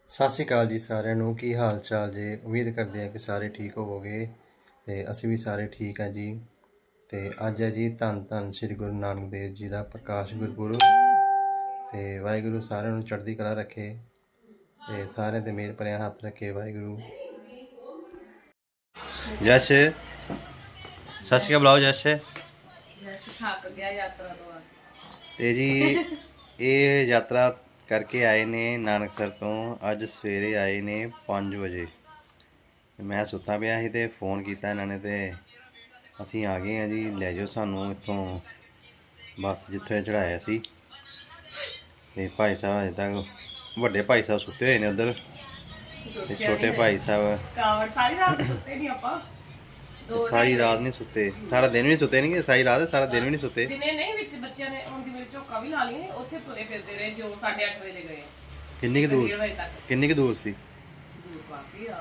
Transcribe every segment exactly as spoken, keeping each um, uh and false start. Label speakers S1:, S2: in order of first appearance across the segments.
S1: ਸਤਿ ਸ਼੍ਰੀ ਅਕਾਲ ਜੀ ਸਾਰਿਆਂ ਨੂੰ। ਕੀ ਹਾਲ ਚਾਲ ਜੀ? ਉਮੀਦ ਕਰਦੇ ਹਾਂ ਕਿ ਸਾਰੇ ਠੀਕ ਹੋਵੋਗੇ ਤੇ ਅਸੀਂ ਵੀ ਸਾਰੇ ਠੀਕ ਹਾਂ ਜੀ। ਤੇ ਅੱਜ ਹੈ ਜੀ ਧੰਨ ਧੰਨ ਸ੍ਰੀ ਗੁਰੂ ਨਾਨਕ ਦੇਵ ਜੀ ਦਾ ਪ੍ਰਕਾਸ਼ ਗੁਰਪੁਰਬ। ਤੇ ਵਾਹਿਗੁਰੂ ਸਾਰਿਆਂ ਨੂੰ ਚੜ੍ਹਦੀ ਕਲਾ ਰੱਖੇ ਤੇ ਸਾਰਿਆਂ ਤੇ ਮਿਹਰ ਭਰਿਆ ਹੱਥ ਰੱਖੇ ਵਾਹਿਗੁਰੂ। ਜਸ਼ ਸਤਿ ਸ਼੍ਰੀ ਅਕਾਲ ਬੁਲਾਓ। ਜਸ਼
S2: ਥੱਕ ਗਿਆ ਯਾਤਰਾ ਤੋਂ ਆ
S1: ਤੇ ਜੀ ਇਹ ਯਾਤਰਾ ਕਰਕੇ ਆਏ ਨੇ ਨਾਨਕਸਰ ਤੋਂ। ਅੱਜ ਸਵੇਰੇ ਆਏ ਨੇ ਪੰਜ ਵਜੇ। ਮੈਂ ਸੁੱਤਾ ਪਿਆ ਸੀ ਤੇ ਫੋਨ ਕੀਤਾ ਇਹਨਾਂ ਨੇ ਤੇ ਅਸੀਂ ਆ ਗਏ ਹਾਂ ਜੀ। ਲੈ ਜਾਓ ਸਾਨੂੰ ਇੱਥੋਂ ਬੱਸ ਜਿੱਥੇ ਚੜਾਇਆ ਸੀ। ਤੇ ਭਾਈ ਸਾਹਿਬ ਅਜੇ ਤੱਕ ਵੱਡੇ ਭਾਈ ਸਾਹਿਬ ਸੁੱਤੇ ਹੋਏ ਨੇ ਉੱਧਰ ਤੇ ਛੋਟੇ ਭਾਈ ਸਾਹਿਬ
S2: ਕਾਵੜ ਸਾਰੀ ਰਾਤ ਸੁੱਤੇ ਨਹੀਂ ਆਪਾਂ।
S1: ਸਾਰੀ ਰਾਤ ਨਹੀਂ ਸੁੱਤੇ, ਸਾਰਾ ਦਿਨ ਵੀ ਸੁੱਤੇ ਨਹੀਂ। ਸਾਰੀ ਰਾਤ ਸਾਰਾ ਦਿਨ ਵੀ ਨਹੀਂ ਸੁੱਤੇ।
S2: ਦਿਨੇ ਨਹੀਂ ਵਿੱਚ ਬੱਚਿਆਂ ਨੇ ਹੁਣ ਦੀ ਵਿੱਚ ਝੋਕਾ ਵੀ ਲਾ ਲਈ ਉੱਥੇ ਤੁਰੇ ਫਿਰਦੇ ਰਹੇ ਜੋ ਸਾਢੇ ਅੱਠ ਵਜੇ ਗਏ।
S1: ਕਿੰਨੀ ਕੁ ਦੂਰ ਕਿੰਨੀ ਕੁ ਦੂਰ ਸੀ?
S2: ਦੂਰ ਕਾਫੀ ਆ।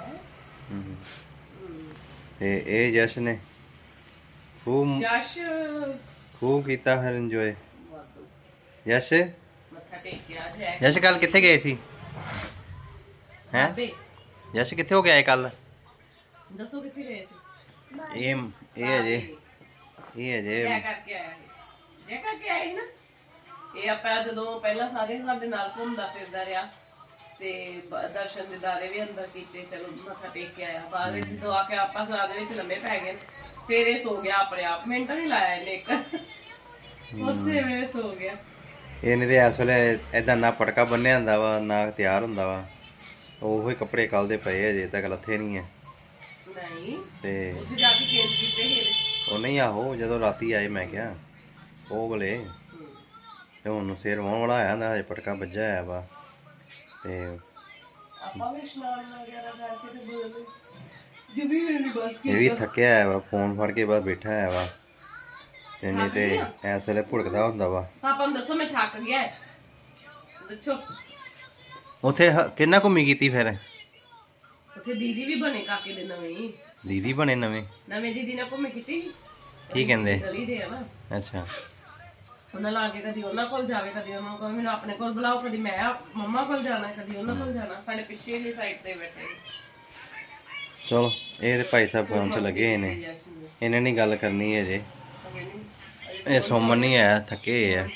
S1: ਤੇ ਇਹ ਜਸ਼ਨ ਨੇ ਖੂਬ
S2: ਜਸ਼
S1: ਖੂਬ ਕੀਤਾ ਫਿਰ ਇੰਜੋਏ। ਯਸ਼
S2: ਮੱਥਾ ਟੇਕਿਆ ਜੈ
S1: ਯਸ਼ ਕੱਲ ਕਿੱਥੇ ਗਏ ਸੀ? ਹੈਂ
S2: ਬਾਬੇ
S1: ਯਸ਼ ਕਿੱਥੇ ਹੋ ਗਿਆ ਕੱਲ?
S2: ਦੱਸੋ ਕਿੱਥੇ ਗਏ ਸੀ?
S1: ਇਹ ਇਹ ਅਜੇ ਇਹ ਅਜੇ
S2: ਜੈ ਕਰਕੇ ਆਇਆ ਸੀ। ਜੈ ਕਰਕੇ ਆਏ ਸੀ ਨਾ। ਇਹ ਆਪਾਂ ਜਦੋਂ ਪਹਿਲਾਂ ਸਾਰੇ ਸਾਡੇ ਨਾਲ ਘੁੰਮਦਾ ਫਿਰਦਾ ਰਿਹਾ ਤੇ ਬ- ਦਰਸ਼ਨ ਦਿਦਾਰੇ ਵੀ ਅੰਦਰ ਕੀਤੇ। ਚਲੋ ਮੱਥਾ ਟੇਕ ਕੇ ਆਇਆ। ਬਾਅਦ ਵਿੱਚ ਜਦੋਂ ਆ ਕੇ ਆਪਾਂ ਸਲਾਹ ਦੇ ਵਿੱਚ ਲੰਮੇ ਪੈ ਗਏ। ਫਿਰ ਇਹ ਸੋ ਗਿਆ ਆਪਣੇ ਆਪ। ਮਿੰਟ ਨਹੀਂ ਲਾਇਆ ਇਹਨੇ ਇੱਕ। ਉਸੇ ਵੇਲੇ ਸੋ ਗਿਆ।
S1: ਇਹਨੇ ਤੇ ਇਸ ਵੇਲੇ ਏਦਾਂ ਨਾ ਪਟਕਾ ਬੰਨਿਆ ਹੁੰਦਾ ਵਾ ਨਾ ਤਿਆਰ ਹੁੰਦਾ ਵਾ। ਉਹੋ ਹੀ ਕੱਪੜੇ ਕੱਲ ਦੇ ਪਏ ਅਜੇ ਤੱਕ ਲੱਥੇ ਨਹੀਂ ਹੈ।
S2: ਨਹੀਂ
S1: ਤੇ
S2: ਉਸੇ ਜਾ ਕੇ ਚੇਂਜ ਕੀਤੇ ਸੀ।
S1: ਉਹ ਨਹੀਂ ਆਹੋ ਜਦੋਂ ਰਾਤੀ ਆਏ ਮੈਂ ਕਿਹਾ ਉਹ ਵੇਲੇ ਤੇ ਹੁਣ ਸਿਰ ਵਾਹੁਣ ਵਾਲਾ ਆਇਆ ਹੁੰਦਾ। ਹਜੇ ਪਟਕਾ ਵੱਜਾ ਆਇਆ ਵਾ ਤੇ
S2: ਆਪਾਂ ਵੀ ਇਸ਼ਨਾਨ ਵਗੈਰਾ ਕਰਕੇ ਤੇ ਬੋਲ ਜਿਵੇਂ ਮੇਰੀ ਬਸ
S1: ਇਹ ਵੀ ਥੱਕਿਆ ਆਇਆ ਵਾ। ਫੋਨ ਫੜ ਕੇ ਬਾਹਰ ਬੈਠਾ ਆਇਆ ਵਾ ਤੇ ਨਹੀਂ ਤੇ ਇਸ ਵੇਲੇ ਭੁੜਕਦਾ ਹੁੰਦਾ ਵਾ।
S2: ਪਾਪਾ ਨੂੰ ਦੱਸੋ ਮੈਂ ਥੱਕ ਗਿਆ ਹੈ। ਦੱਸੋ
S1: ਉੱਥੇ ਹ- ਕਿੰਨਾ ਘੁੰਮੀ ਕੀਤੀ ਫਿਰ?
S2: ਉੱਥੇ ਦੀਦੀ ਵੀ ਬਣੇ ਕਾਕੇ ਦੇ ਨਵੇਂ ਹੀ।
S1: ਦੀਦੀ ਬਣੇ ਨਵੇਂ?
S2: ਨਵੇਂ ਦੀਦੀ ਨਾਲ ਘੁੰਮੇ ਕੀਤੀ।
S1: ਕੀ ਕਹਿੰਦੇ?
S2: ਗਲੀ ਦੇ ਆ ਨਾ।
S1: ਅੱਛਾ
S2: ਉਹਨਾਂ ਲਾ ਕੇ ਕਦੀ ਉਹਨਾਂ ਕੋਲ ਜਾਵੇ ਕਦੀ ਉਹਨਾਂ ਕੋਲ ਮੈਨੂੰ ਆਪਣੇ ਕੋਲ ਬੁਲਾਓ। ਕਦੀ ਮੈਂ ਮੰਮਾ ਕੋਲ ਜਾਣਾ ਕਦੀ ਉਹਨਾਂ ਕੋਲ ਜਾਣਾ। ਸਾਡੇ ਪਿੱਛੇ ਵਾਲੀ ਸਾਈਡ ਤੇ ਬੈਠੇ।
S1: ਚਲੋ ਇਹ ਤੇ ਭਾਈ ਸਾਹਿਬ ਫੋਨ 'ਚ ਲੱਗੇ ਹੋਏ ਨੇ। ਇਹਨਾਂ ਨੇ ਗੱਲ ਕਰਨੀ ਹੈ ਅਜੇ। ਇਹ ਸੋਮਨ ਨਹੀਂ ਆਇਆ, ਥੱਕੇ ਹੋਏ ਆ।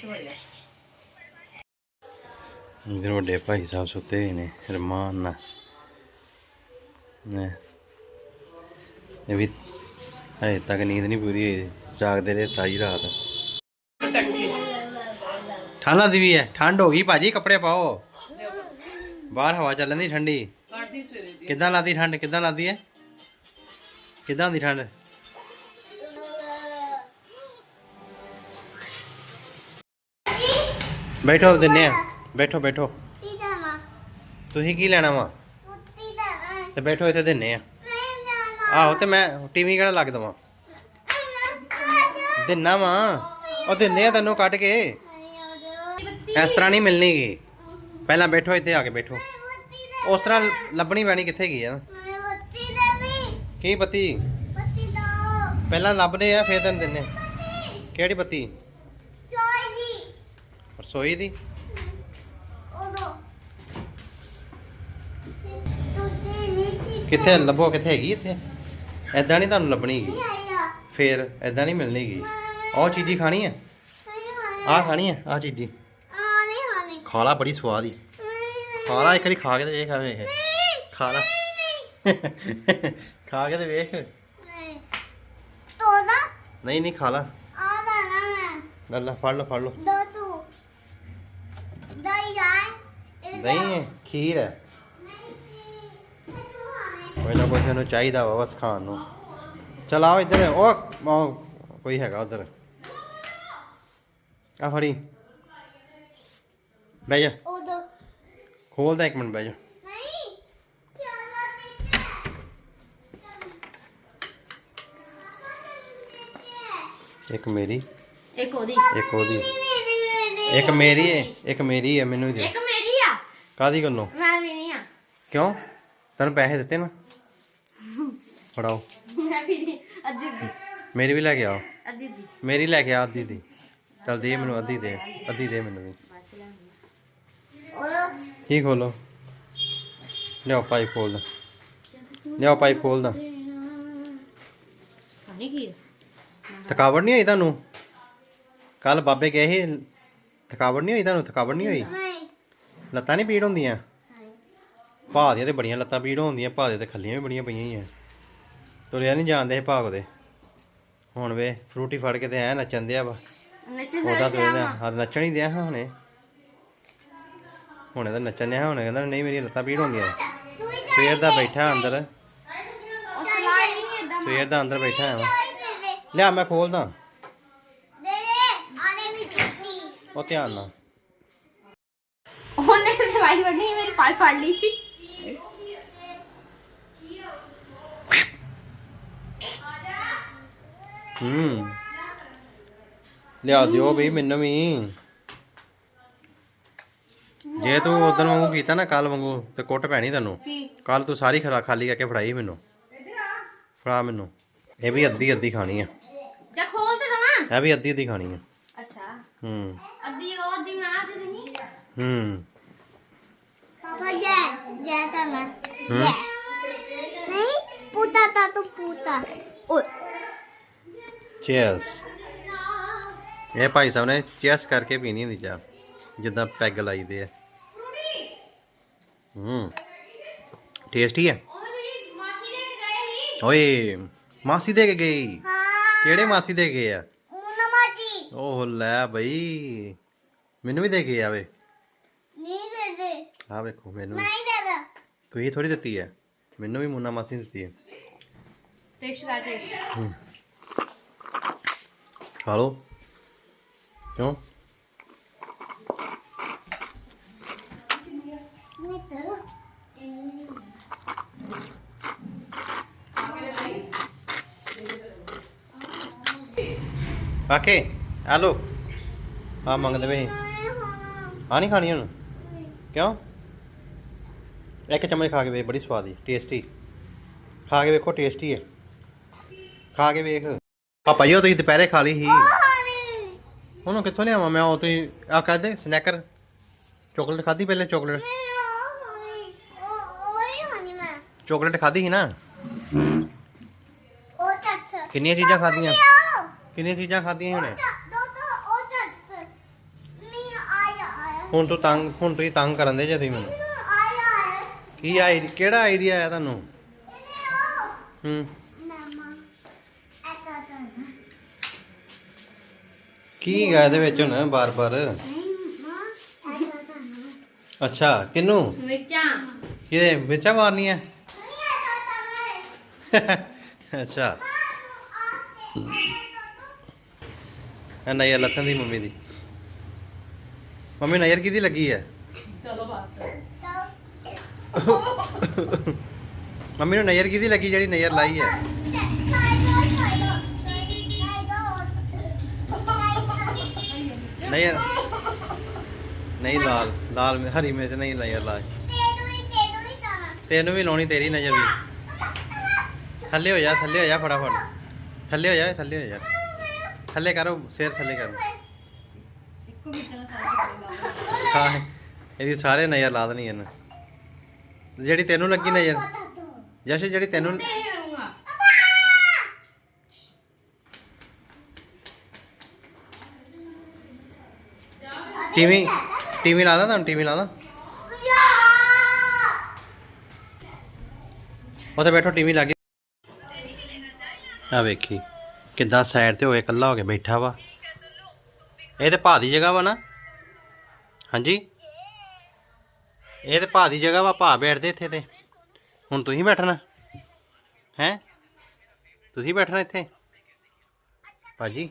S1: ਇਧਰ ਵੱਡੇ ਭਾਈ ਸਾਹਿਬ ਸੁੱਤੇ ਹੋਏ ਨੇ ਰਮਾਨ ਨਾਲ। ਨੇ ਇਹ ਵੀ ਹਜੇ ਤੱਕ ਨੀਂਦ ਨਹੀਂ ਪੂਰੀ ਹੋਈ। ਜਾਗਦੇ ਰਹੇ ਸਾਰੀ ਰਾਤ। ਠੰਡ ਲੱਗਦੀ ਵੀ ਹੈ। ਠੰਡ ਹੋ ਗਈ ਭਾਜੀ, ਕੱਪੜੇ ਪਾਓ। ਬਾਹਰ ਹਵਾ ਚੱਲਣ ਦੀ ਠੰਡੀ। ਕਿੱਦਾਂ ਲੱਗਦੀ ਠੰਡ? ਕਿੱਦਾਂ ਲੱਗਦੀ ਹੈ? ਕਿੱਦਾਂ ਦੀ ਠੰਡ? ਬੈਠੋ ਦਿੰਨੇ ਆ। ਬੈਠੋ ਬੈਠੋ। ਤੁਸੀਂ ਕੀ ਲੈਣਾ ਵਾ? ਤੇ ਬੈਠੋ ਇੱਥੇ ਦਿੰਨੇ ਆ। ਆਹੋ ਤੇ ਮੈਂ ਟੀਵੀ ਕਿਹੜਾ ਲੱਗ ਦਵਾਂ? ਦਿੰਨਾ ਵਾ ਉਹ ਦਿੰਨੇ ਆ ਤੈਨੂੰ ਕੱਢ ਕੇ। ਇਸ ਤਰ੍ਹਾਂ ਨਹੀਂ ਮਿਲਣੀ ਗੀ। ਪਹਿਲਾਂ ਬੈਠੋ ਇੱਥੇ ਆ ਕੇ ਬੈਠੋ। ਉਸ ਤਰ੍ਹਾਂ ਲੱਭਣੀ ਪੈਣੀ। ਕਿੱਥੇ ਗਈ ਆ ਕੀ ਬੱਤੀ? ਪਹਿਲਾਂ ਲੱਭਦੇ ਆ ਫਿਰ ਤੈਨੂੰ ਦਿੰਨੇ। ਕਿਹੜੀ ਬੱਤੀ? ਰਸੋਈ ਦੀ? ਕਿੱਥੇ ਲੱਭੋ? ਕਿੱਥੇ ਹੈਗੀ ਇੱਥੇ? ਐਦਾਂ ਨਹੀਂ ਤੁਹਾਨੂੰ ਲੱਭਣੀ ਗੀ। ਫੇਰ ਐਦਾਂ ਨਹੀਂ ਮਿਲਣੀ ਗੀ। ਉਹ ਚੀਜ਼ੀ ਖਾਣੀ ਹੈ? ਆਹ ਖਾਣੀ ਹੈ? ਆਹ ਚੀਜ਼ੀ ਖਾ ਲਾ, ਬੜੀ ਸਵਾਦ ਹੀ। ਖਾ ਲਾ ਇੱਕ ਵਾਰੀ, ਖਾ ਕੇ ਤੇ ਵੇਖ। ਵੇਖ ਖਾ ਲਾ। ਖਾ ਕੇ ਤੇ ਵੇਖ। ਨਹੀਂ ਨਹੀਂ ਖਾ ਲਾ। ਲੈ ਲੈ ਫੜ ਲਓ ਫੜ ਲਓ। ਨਹੀਂ ਖੀਰ ਹੈ। ਕੋਈ ਨਾ ਕੋਈ ਸਾਨੂੰ ਚਾਹੀਦਾ ਵਾ ਬਸ ਖਾਣ ਨੂੰ। ਚਲ ਆਓ ਇੱਧਰ। ਉਹ ਉਹ ਕੋਈ ਹੈਗਾ ਉੱਧਰ। ਆ ਫੜੀ ਬਹਿ ਜਾ। ਖੋਲਦਾ ਇੱਕ ਮਿੰਟ, ਬਹਿ ਜਾ। ਇੱਕ ਮੇਰੀ
S3: ਇੱਕ ਉਹਦੀ
S1: ਇੱਕ ਉਹਦੀ ਇੱਕ ਮੇਰੀ ਹੈ ਇੱਕ ਮੇਰੀ ਹੈ। ਮੈਨੂੰ ਦੇ।
S3: ਇੱਕ ਮੇਰੀ ਆ।
S1: ਕਾਹਦੀ ਗੱਲੋਂ?
S3: ਮੈਂ ਵੀ ਨਹੀਂ ਆ।
S1: ਕਿਉਂ? ਤੈਨੂੰ ਪੈਸੇ ਦਿੱਤੇ ਨਾ? ਫੜਾਓ।
S3: ਮੈਂ ਵੀ ਨਹੀਂ। ਅੱਧੀ ਅੱਧੀ
S1: ਮੇਰੀ ਵੀ ਲੈ ਕੇ ਆਓ।
S3: ਅੱਧੀ ਅੱਧੀ
S1: ਮੇਰੀ ਲੈ ਕੇ ਆ ਅੱਧੀ ਦੀ। ਚੱਲ ਦੇ ਮੈਨੂੰ ਅੱਧੀ ਦੇ। ਅੱਧੀ ਦੇ ਮੈਨੂੰ ਵੀ। ਕੀ ਖੋਲੋ? ਲਿਆਓ ਪਾਈ ਖੋਲਦਾ, ਲਿਆਓ ਪਾਈ ਖੋਲਦਾ।
S3: ਪਾਣੀ ਕੀ
S1: ਥਕਾਵਟ ਨਹੀਂ ਹੋਈ ਤੁਹਾਨੂੰ? ਕੱਲ ਬਾਬੇ ਗਏ ਸੀ, ਥਕਾਵਟ ਨਹੀਂ ਹੋਈ ਤੁਹਾਨੂੰ? ਥਕਾਵਟ ਨਹੀਂ ਹੋਈ? ਲੱਤਾਂ ਨਹੀਂ ਪੀੜ ਹੁੰਦੀਆਂ? ਭਾਅ ਦੀਆਂ ਤੇ ਬੜੀਆਂ ਲੱਤਾਂ ਪੀੜ ਹੁੰਦੀਆਂ, ਭਾਅ ਦੇ ਤੇ ਖੱਲੀਆਂ ਵੀ ਬੜੀਆਂ ਪਈਆਂ ਹੀ ਆ। ਤੁਰਿਆ ਨਹੀਂ ਜਾਂਦੇ ਸੀ ਭਾਗ ਦੇ। ਹੁਣ ਵੇ ਫਰੂਟੀ ਫੜ ਕੇ ਤੇ ਐ ਨੱਚਣ ਦਿਆ ਵਾ।
S3: ਨੱਚਣ
S1: ਉਹਦਾ ਤੇ ਹਾਂ ਨੱਚਣ ਹੀ ਦਿਆ ਹਾਂ ਹੁਣੇ, ਹੁਣੇ ਤਾਂ ਨੱਚਣ ਦਿਆ ਹੁਣੇ ਕਹਿੰਦਾ ਨਹੀਂ ਮੇਰੀਆਂ ਲੱਤਾਂ ਪੀੜ ਹੁੰਦੀਆਂ। ਸਵੇਰ ਦਾ ਬੈਠਾ ਅੰਦਰ,
S3: ਉਹ ਸਲਾਈ ਨਹੀਂ ਏਦਾਂ
S1: ਸਵੇਰ ਦਾ ਅੰਦਰ ਬੈਠਾ ਆ। ਲਿਆ ਮੈਂ ਖੋਲਦਾ, ਉਹ ਧਿਆਨ ਨਾਲ।
S3: ਉਹਨੇ ਸਲਾਈ ਵੜਨੀ ਮੇਰੀ ਪਾਈ ਫੜ ਲਈ।
S1: ਹੂੰ ਲਿਆ ਦਿਓ ਬਈ ਮੈਨੂੰ ਵੀ। ਜੇ ਤੂੰ ਉਦੋਂ ਵਾਂਗੂ ਕੀਤਾ ਨਾ ਕੱਲ ਵਾਂਗੂ ਤੇ ਕੁੱਟ ਪੈਣੀ ਤੈਨੂੰ।
S3: ਕੀ
S1: ਕੱਲ ਤੂੰ ਸਾਰੀ ਖਰਾ ਖਾਲੀ ਕਰਕੇ ਫੜਾਈ ਮੈਨੂੰ। ਫੜਾ ਮੈਨੂੰ। ਇਹ ਵੀ ਅੱਧੀ ਅੱਧੀ ਖਾਣੀ ਆ,
S3: ਜਾ ਖੋਲ ਤੇ ਦਵਾਂ।
S1: ਇਹ ਵੀ ਅੱਧੀ ਅੱਧੀ ਖਾਣੀ ਆ।
S3: ਅੱਛਾ
S1: ਹੂੰ
S3: ਅੱਧੀ ਉਹ ਅੱਧੀ ਮੈਂ ਆ ਦੇ ਦੇਣੀ।
S1: ਹੂੰ
S4: पापा जय जय था मैं
S1: हम्म?
S4: जय नहीं पूता था तो पूता ओए
S1: ਚੀਅਰਸ। ਇਹ ਭਾਈ ਸਾਹਿਬ ਨੇ ਚੀਅਰਸ ਕਰਕੇ ਪੀਣੀ ਹੁੰਦੀ ਚਾਹ, ਜਿੱਦਾਂ ਪੈਗ ਲਾਈਦੇ ਆ। ਹੂੰ ਟੇਸਟੀ ਹੈ।
S3: ਉਹ ਮੇਰੀ ਮਾਸੀ ਦੇ ਕੇ ਗਏ ਸੀ।
S1: ਓਏ ਮਾਸੀ ਦੇ ਕੇ ਗਈ?
S4: हाँ
S1: ਕਿਹੜੇ ਮਾਸੀ ਦੇ ਗਏ ਆ?
S4: मुन्ना जी
S1: ਓਹ ਲੈ ਬਈ, ਮੈਨੂੰ ਵੀ ਦੇ ਕੇ ਆਵੇ।
S4: नहीं दे दे
S1: ਆ ਵੇਖੋ ਮੈਨੂੰ ਵੀ।
S4: नहीं दे दे
S1: ਤੁਸੀਂ ਥੋੜੀ ਦਿੱਤੀ ਹੈ, ਮੈਨੂੰ ਵੀ ਮੁੰਨਾ ਮਾਸੀ ਨੇ ਦਿੱਤੀ ਹੈ।
S3: ਟੇਸਟ ਕਰ ਟੇਸਟ।
S1: ਹੂੰ ਖਾ ਲਓ। ਕਿਉਂ?
S4: नहीं तो
S1: ਆਕੇ ਆ ਲੋ ਆ ਮੰਗਦੇ ਵੇ। ਆ ਨਹੀਂ ਖਾਣੀ ਹੁਣ? ਕਿਉਂ? ਇੱਕ ਚਮਚ ਖਾ ਕੇ ਵੇਖ, ਬੜੀ ਸਵਾਦੀ ਟੇਸਟੀ। ਖਾ ਕੇ ਵੇਖੋ, ਟੇਸਟੀ ਹੈ। ਖਾ ਕੇ ਵੇਖ। ਪਾਪਾ ਜੀ ਉਹ ਤੁਸੀਂ ਦੁਪਹਿਰੇ ਖਾ ਲਈ ਸੀ, ਉਹਨੂੰ ਕਿੱਥੋਂ ਲਿਆਵਾਂ ਮੈਂ? ਉਹ ਤੁਸੀਂ ਆ ਕਹਦੇ ਸਨੈਕਰ ਚੋਕਲੇਟ ਖਾਧੀ ਪਹਿਲੇ? ਚੋਕਲੇਟ ਚੋਕਲੇਟ ਖਾਧੀ ਸੀ ਨਾ? ਕਿੰਨੀਆਂ ਚੀਜ਼ਾਂ ਖਾਧੀਆਂ? ਕਿੰਨੀਆਂ ਚੀਜ਼ਾਂ ਖਾਧੀਆਂ ਹੁਣੇ? ਹੁਣ ਤੂੰ ਤੰਗ, ਹੁਣ ਤੁਸੀਂ ਤੰਗ ਕਰਨ ਦੇ ਜੇ ਤੁਸੀਂ ਮੈਨੂੰ। ਕੀ ਆਈਡੀ, ਕਿਹੜਾ ਆਈਡੀਆ ਆਇਆ ਤੁਹਾਨੂੰ? ਹੂੰ ਕੀ ਗਾ ਇਹਦੇ ਵਿੱਚ ਹੁਣ ਬਾਰ-ਬਾਰ? ਅੱਛਾ ਕਿਨੂੰ?
S3: ਮਿਰਚਾਂ
S1: ਇਹਦੇ ਮਿਰਚਾਂ ਮਾਰਨੀਆਂ? ਅੱਛਾ ਇਹ ਨਜ਼ਰ ਲੱਥਣ ਦੀ ਮੰਮੀ ਦੀ। ਮੰਮੀ ਨਜ਼ਰ ਕਿਹਦੀ ਲੱਗੀ ਹੈ?
S2: ਚਲੋ ਬਸ।
S1: ਮੰਮੀ ਨੂੰ ਨਜ਼ਰ ਕਿਹਦੀ ਲੱਗੀ ਜਿਹੜੀ ਨਜ਼ਰ ਲਾਈ ਹੈ? ਨਜ਼ਰ ਨਹੀਂ, ਲਾਲ ਲਾਲ ਮਿ- ਹਰੀ ਮਿਰਚ ਨਹੀਂ ਨਜ਼ਰ ਲਾ। ਤੈਨੂੰ ਵੀ ਲਾਉਣੀ, ਤੇਰੀ ਨਜ਼ਰ ਵੀ। ਥੱਲੇ ਹੋ ਜਾ, ਥੱਲੇ ਹੋ ਜਾ ਫਟਾਫਟ। ਥੱਲੇ ਹੋ ਜਾ, ਥੱਲੇ ਹੋ ਜਾ, ਥੱਲੇ ਕਰੋ, ਸਿਰ ਥੱਲੇ ਕਰੋ।
S3: ਇੱਕੋ ਵਿੱਚ ਨਾ ਸਾਰੇ
S1: ਹਾਂ ਇਹਦੀ ਸਾਰੇ ਨਜ਼ਰ ਲਾ ਦੇਣੀ ਇਹਨੇ। ਜਿਹੜੀ ਤੈਨੂੰ ਲੱਗੀ ਨਜ਼ਰ, ਜਸ਼ ਜਿਹੜੀ ਤੈਨੂੰ
S3: ਕਰੂੰਗਾ।
S1: ਟੀਵੀ ਟੀਵੀ ਲਾ ਦਾਂ ਤੁਹਾਨੂੰ? ਟੀਵੀ ਲਾ ਦਾਂ? ਉੱਥੇ ਬੈਠੋ, ਟੀਵੀ ਲੱਗੇ। ਆ ਵੇਖੀ ਕਿੱਦਾਂ ਸਾਈਡ ਤੇ ਹੋ ਕੇ ਇਕੱਲਾ ਹੋ ਕੇ ਬੈਠਾ ਵਾ। ਇਹ ਤੇ ਭਾ ਦੀ ਜਗ੍ਹਾ ਵਾ ਨਾ? ਹਾਂਜੀ ਇਹ ਤੇ ਭਾ ਦੀ ਜਗ੍ਹਾ ਵਾ, ਭਾ ਬੈਠਦੇ ਇੱਥੇ। ਤੇ ਹੁਣ ਤੁਸੀਂ ਬੈਠਣਾ ਹੈ? ਤੁਸੀਂ ਬੈਠਣਾ ਇੱਥੇ ਭਾਜੀ?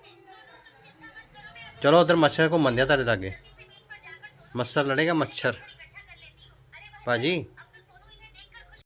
S1: ਚਲੋ ਉਧਰ ਮੱਛਰ ਘੁੰਮਣ ਦਿਆ ਤੁਹਾਡੇ ਲਾਗੇ। ਮੱਛਰ ਲੜੇਗਾ, ਮੱਛਰ ਭਾਜੀ।